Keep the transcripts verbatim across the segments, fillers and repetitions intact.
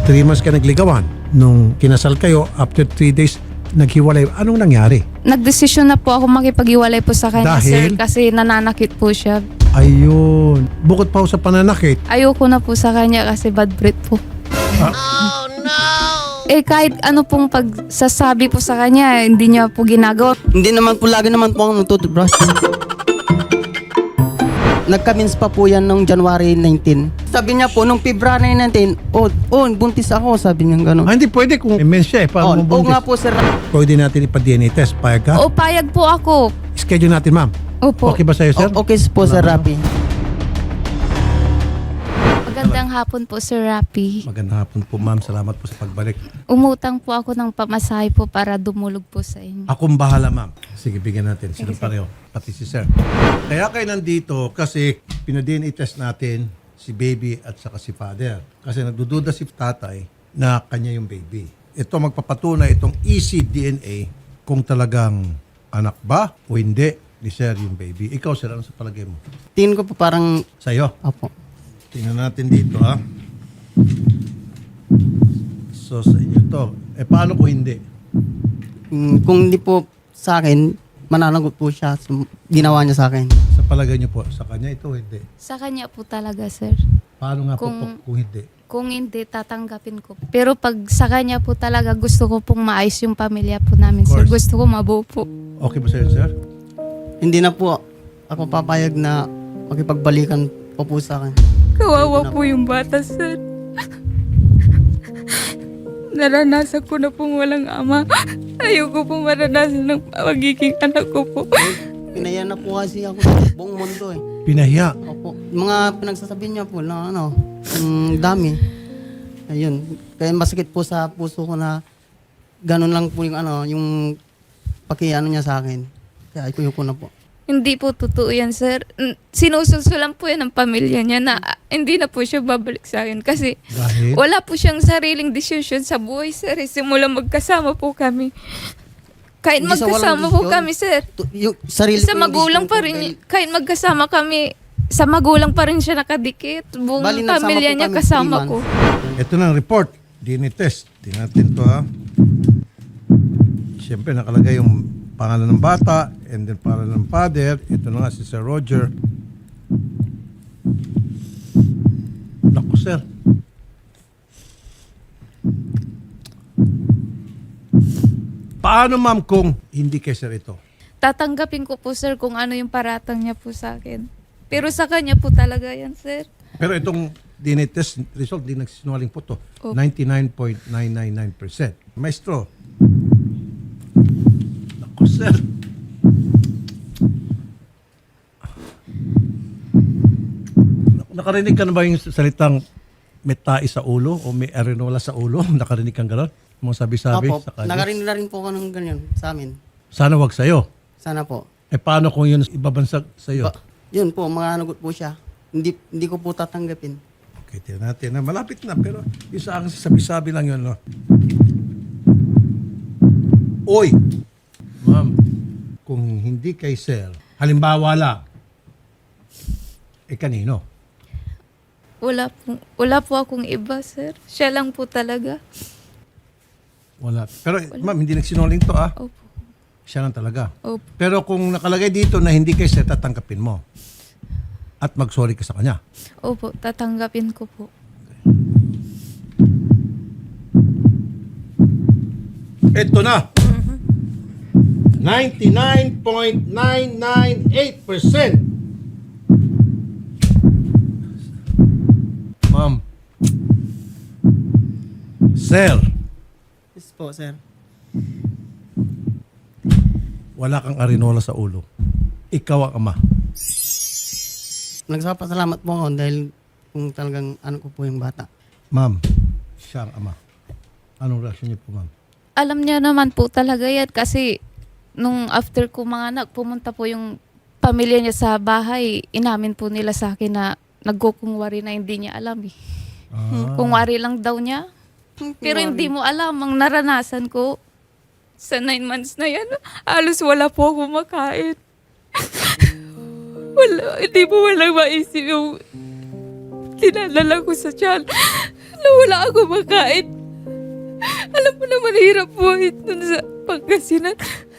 Three months ka nagligawan. Nung kinasal kayo, after three days, naghiwalay. Anong nangyari? Nagdesisyon na po ako makipag-iwalay po sa kanya, Dahil? sir, kasi nananakit po siya. Ayun. Bukod pa ho sa pananakit, Ayoko na po sa kanya kasi bad breath po. Ah. Eh kahit ano pong pagsasabi po sa kanya, hindi niya po ginagawa. Hindi naman po, lagi naman po ako nagtutubrush. Nagka-mens pa po yan noong January nineteenth. Sabi niya po, nung February nineteenth, oh, oh, buntis ako, sabi niya gano'n. ah, hindi pwede kung may siya eh. Oh, Paano mo oh nga buntis? po, sir. Pwede natin ipa-D N A test. Payag ka? O payag po ako. Schedule natin, ma'am. Opo. Okay ba sa'yo, sir? O- okay po, Sir Rapi. Magandang hapon po, Sir Rapi. Magandang hapon po, ma'am. Salamat po sa pagbalik. Umutang po ako ng pamasahe po para dumulog po sa inyo. Akong bahala, ma'am. Sige, bigyan natin. Sila pareho. Pati si sir. Kaya kayo nandito kasi pina-D N A test natin si baby at saka si father. Kasi nagdududa si tatay na kanya yung baby. Ito magpapatunay itong E C D N A kung talagang anak ba o hindi ni sir yung baby. Ikaw, sir, ano sa palagay mo? Tingin ko po parang, Sa'yo. opo. Tingnan natin dito, ha? So, sa inyo to. Eh, paano kung hindi? Mm, kung hindi po sa akin, mananagot po siya sa ginawa niya sa akin. Sa palagay niyo po, sa kanya ito, hindi. Sa kanya po talaga, sir. Paano nga po Kung- po kung hindi? Kung hindi, tatanggapin ko. Pero pag sa kanya po talaga, gusto ko pong maayos yung pamilya po namin, Of sir. course. Gusto ko mabuo po. Okay ba sa'yo, sir? Hindi na po ako papayag na makipagbalikan pa po sa akin. Kawawa po yung bata, sir. Naranasan ko na pong walang ama. Ayoko pong maranasan ng magiging anak ko po. Pinaya na po kasi ako sa buong mundo eh. Pinahiya. Opo. Mga pinagsasabi niya po na ano, ang dami. Ayun. Kaya masakit po sa puso ko na ganun lang po yung ano, yung pakiano niya sa akin. Kaya ayoko na po. Hindi po totoo yan, sir. N- Sinusulsulan po yan ng pamilya niya na ah, hindi na po siya babalik sa akin kasi Dahil? wala po siyang sariling desisyon sa buhay, sir. Eh, Simula magkasama po kami. Kahit Hindi sa magkasama walang po desisyon. kami, sir. Tu- Yung sarili Sa ko yung magulang desisyon pa ko rin, dahil- kahit magkasama kami, sa magulang pa rin siya nakadikit. Buong Bali, nagsama pamilya po niya kami kasama three ko. Ito na ang report. D N A test. Tingnan natin to, ha. Siyempre, nakalagay yung pangalan ng bata and then pangalan ng father. Ito na nga si Sir Roger. Naku, sir. Paano, ma'am, kung hindi kay sir ito? Tatanggapin ko po, sir, kung ano yung paratang niya po sa akin. Pero sa kanya po talaga yan, sir. Pero itong D N A test result, di nagsisinungaling po to. Opo. ninety-nine point nine nine nine percent. Maestro. Naku, sir. Nakarinig ka na ba yung salitang may tae sa ulo o may arenola sa ulo? Nakarinig kang gano'n? Mga sabi-sabi Opo, sa kanya? nakarinig na rin po ako ng ganyan sa amin. Sana wag sa'yo. Sana po. Eh paano kung yun ibabansag sa'yo? Ba, yun po, mga nagot po siya. Hindi hindi ko po tatanggapin. Okay, tingnan natin. Na malapit na, pero yung sa akin, sabi-sabi lang yun. No? Oy! Ma'am, kung hindi kay sir, halimbawa lang, eh kanino? Wala po, wala po akong iba, sir. Siya lang po talaga. Wala. Pero ma'am, hindi nagsinungaling to ah. Opo. Siya lang talaga. Opo. Pero kung nakalagay dito na hindi kay sir, tatanggapin mo. At mag-sorry ka sa kanya. Opo, tatanggapin ko po. Ito na. ninety-nine point nine nine eight percent. Ma'am. Sir, Yes po, sir. wala kang arinola sa ulo. Ikaw ang ama. Nagsapasalamat po ako dahil kung talagang ano ko po yung bata. Ma'am, siya ang ama. Anong reaksyon niyo po, ma'am? Alam niya naman po talaga yan kasi nung after ko mga anak, pumunta po yung pamilya niya sa bahay. Inamin po nila sa akin na nagkukungwari na hindi niya alam eh. Ah. Kungwari lang daw niya. Pero hindi mo alam, ang naranasan ko sa nine months na yan, halos wala po ako makain. Wala, hindi mo walang maisip yung dinadala ko sa tiyan. na wala ako makain. Alam mo naman, hirap buhay dun sa Pangasinan.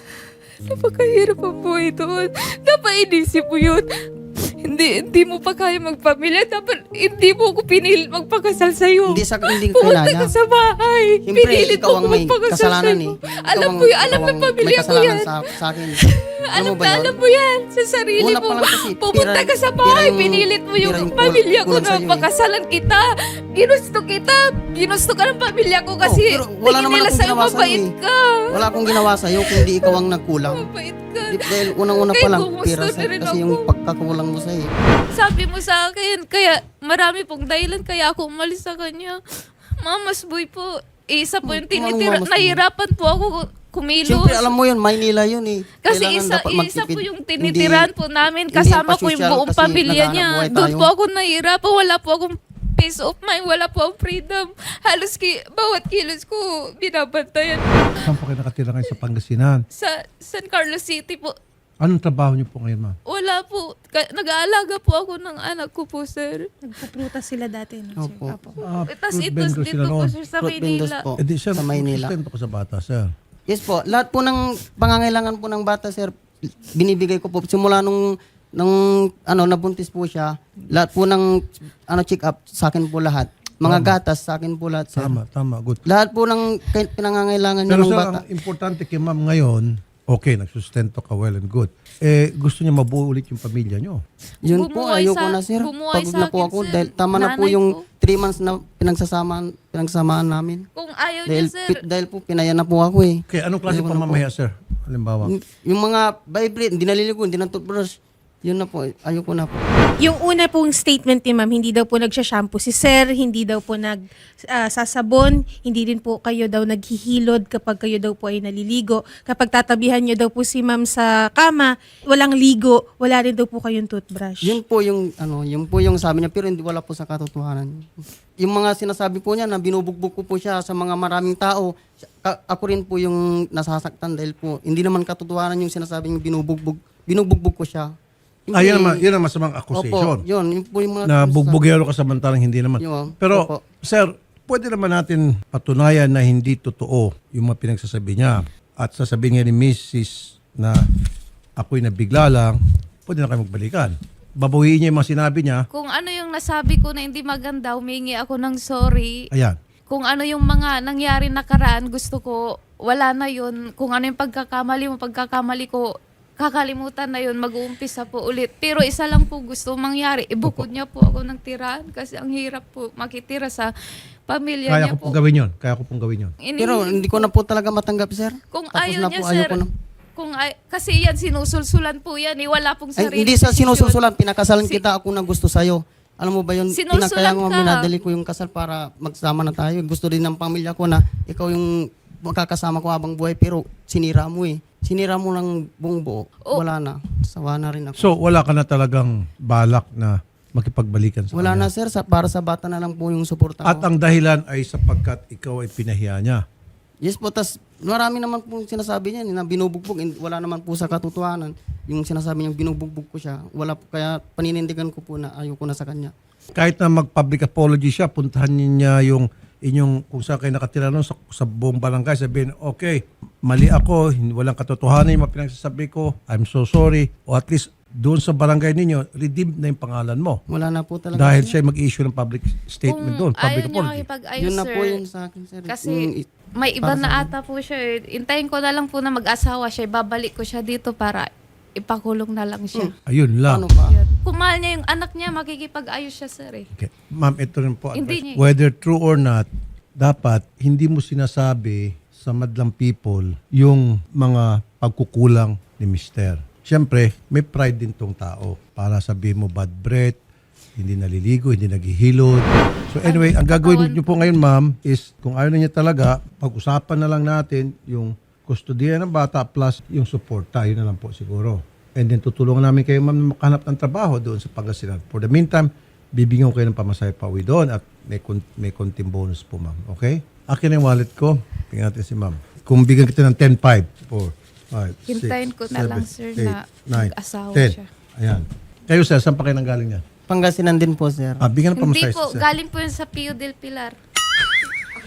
Napakahirap ang buhay doon. Dapat inisip mo yun. Hindi, hindi mo pa kaya magpamilya. Dapat hindi mo ako pinilit magpakasal sa'yo. Hindi sa hindi Pumunta kailangan. ka sa bahay. Siyempre, Pinilit ikaw mo ang ako may magpakasal kasalanan sa'yo. eh. Ikaw Alam ang- mo yun, alam ikaw ng ang pamilya may ko kasalanan yan. Sa, sa akin. Alam mo ba na, yun? alam mo yan. Sa sarili Una mo. pa lang kasi, Pumunta pira- ka sa pira bahay. yung- Pinilit mo pira yung yung pamilya ko kulang na sa'yo eh. pakasalan kita. Ginusto kita. Ginusto ka ng pamilya ko kasi pero wala tingin naman nila akong sa'yo ginawa sa'yo mabait eh. ka. Wala akong ginawa sa'yo kundi ikaw ang nagkulang. Mabait ka. Di- Dahil unang-una Kay pa lang, kumusta pira na sa, rin kasi ako. yung pagkakulang mo sa'yo. Sabi mo sa akin, kaya marami pong dahilan kaya ako umalis sa kanya. Mamas boy po. Eh, Isa po yung Anong tinitira. mamas boy? Nahirapan po ako kumilos. Siyempre, alam mo yun, Maynila yun eh. Kasi Kailangan isa, dapat isa magtipid. po yung Hindi- tinitiran po namin. hindi Kasama yan ko yung pa-social buong kasi pamilya naghahanap niya. buhay Doon tayo. po ako nahihirapan. Wala po akong peace of mind. Wala po akong freedom. Halos ki, bawat kilos ko binabantayan. Saan po kayo nakatira ngayon sa Pangasinan? Sa San Carlos City po. Anong trabaho niyo po ngayon, ma'am? Wala po. Ka- Nag-aalaga po ako ng anak ko po, sir. Nagpuprutas sila dati. No, sir? Opo. Apo. Ah, Tapos fruit ito vendor dito sila po, noon. sir, sa Fruit vendors Maynila. po. Eh di, sir, Sa Maynila. sustento ko sa bata, sir. Yes po. Lahat po ng pangangailangan po ng bata, sir, binibigay ko po. Simula nung, nung ano, nabuntis po siya, lahat po ng ano, check up, sa akin po lahat. Mga gatas, sa akin po lahat, sir. Tama, tama, good. Lahat po ng kay- pinangangailangan niya Pero ng sir, bata. ang importante kay ma'am ngayon, okay, nagsustento ka, well and good. Eh, gusto niya mabuo ulit yung pamilya niyo. Yun po, Bumuhay ayoko sa- na, sir. bumuhay Pagod sa na po akin, ako. sir. Dahil tama na po Nanay yung ko. three months na pinagsasamaan, pinagsamaan namin. Kung ayaw Dahil, niya, sir. pi- dahil po, pinaya na po ako eh. Okay, anong klase Ayoko na po. pamamaya, sir? Halimbawa. Yung, yung mga vibrate, hindi naliligo, hindi na toothbrush. Yun na po, ayoko na po. Yung una pong statement ni ma'am, hindi daw po nagsha-shampoo si sir, hindi daw po nag ah, sasabon, hindi din po kayo daw naghihilod kapag kayo daw po ay naliligo. Kapag tatabihan niyo daw po si ma'am sa kama, walang ligo, wala rin daw po kayong toothbrush. Yun po yung, ano, yun po yung sabi niya, pero hindi wala po sa katotohanan. Yung mga sinasabi po niya na binubugbog ko po siya sa mga maraming tao, ka- ako rin po yung nasasaktan dahil po, hindi naman katotohanan yung sinasabi niya binubugbog, binubugbog ko siya. Ah, yun Hindi- naman, yun ang masamang accusation. Opo, yun, yun po yung mga... Na bugbugero ka samantalang hindi naman. Yun, Pero, opo. sir, pwede naman natin patunayan na hindi totoo yung mga pinagsasabi niya. At sasabihin nga ni Missus na ako'y nabigla lang, pwede na kayo magbalikan. Babawiin niya yung mga sinabi niya. Kung ano yung nasabi ko na hindi maganda, humingi ako ng sorry. Ayan. Kung ano yung mga nangyari nakaraan, gusto ko, wala na yun. Kung ano yung pagkakamali mo, pagkakamali ko, kakalimutan na yun, mag-uumpisa po ulit. Pero isa lang po gusto mangyari, ibukod niya po ako ng tirahan kasi ang hirap po makitira sa pamilya Kaya niya ko po. pong gawin yun. Kaya ko pong gawin yun. Ini- Pero hindi ko na po talaga matanggap, sir. kung Tapos ayaw na niya, po, sir, ayoko na. kung ay, kasi yan, sinusulsulan po yan, eh, wala pong Ay, sarili. hindi sa desisyon. sinususulan, pinakasalan Si- kita ako na gusto sa'yo. Alam mo ba yun, Sinusulan pinakaya ko, ka. minadali ko yung kasal para magsama na tayo. Gusto din ng pamilya ko na ikaw yung makakasama ko habang buhay, pero sinira mo eh. Sinira mo lang buong buo. Oh. Wala na. Sawa na rin ako. So, wala ka na talagang balak na makipagbalikan sa Wala kanya. na, sir. Sa, para sa bata na lang po yung suporta At ko. ang dahilan ay sapagkat ikaw ay pinahiya niya. Yes po, tas marami naman po sinasabi niya na binubugbog. And wala naman po sa katotohanan. Yung sinasabi niya binubugbog ko siya. Wala po, kaya paninindigan ko po na ayoko na sa kanya. Kahit na mag-public apology siya, puntahan niya yung inyong kung saan kayo nakatira noon sa, sa buong barangay, sabihin, okay, mali ako, hindi, walang katotohanan yung mga pinagsasabi ko, I'm so sorry. O at least doon sa barangay ninyo, redeemed na yung pangalan mo. Wala na po talaga. Dahil sir. siya mag-issue ng public statement doon, Kung public ayaw niya apology. makipag-ayos, Yun na sir, po yun sa akin, sir. kasi Yung i- may iba para na sa ata po siya eh. Intayin ko na lang po na mag-asawa siya. Babalik ko siya dito para ipakulong na lang siya. Ayun lang. ano pa? Yun. Kung mahal niya yung anak niya, makikipag-ayos siya, sir eh. Okay. Ma'am, ito rin po. Hindi advice. niya- Whether true or not, dapat hindi mo sinasabi sa madlang people yung mga pagkukulang ni mister. Siyempre, may pride din tong tao para sabihin mo bad breath, hindi naliligo, hindi naghihilod. So anyway, ang gagawin niyo po ngayon, ma'am, is kung ayaw na niya talaga, pag-usapan na lang natin yung kustodiya ng bata plus yung suporta. Yun na lang po siguro. And then tutulungan namin kayo, ma'am, na makahanap ng trabaho doon sa Pangasinan. For the meantime, bibigyan ko kayo ng pamasahe pa uwi doon at may, kon- may konting bonus po, ma'am. Okay? Akin ang wallet ko. Tingnan natin si ma'am. Kung bigyan kita ng ten five, four, five, six, Hintayin ko na lang, sir, na nine, mag-asawa ten. siya. Ayan. Kayo, sir, saan pa kayo nanggaling yan? Pangasinan din po, sir. Ah, bigyan ng Hindi pamasahe, po, sir. galing po yun sa Pio del Pilar.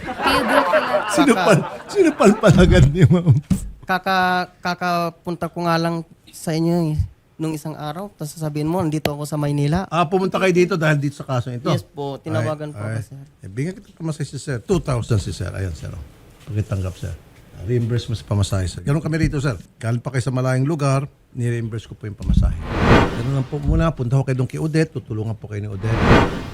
Theodore Kilat. Sino pa, sino palpalagan niyo, ma'am? Kaka, kakapunta ko nga lang sa inyo eh, nung isang araw. Tapos sasabihin mo, nandito ako sa Maynila. Ah, pumunta kayo dito dahil dito sa kaso ito? Yes po, tinawagan po ako, Alright, sir. alright. Eh, bigyan kita pamasahe si sir. two thousand si sir. Ayan, sir. oh. Pakitanggap, sir. Ah, Reimburse mo sa pamasahe, sir. Ganun kami rito, sir. Galing pa kayo sa malayong lugar, ni-reimburse ko po yung pamasahe. Ganun lang po muna. Punta ko kayo doon kay Odette. Tutulungan po kayo ni Odette.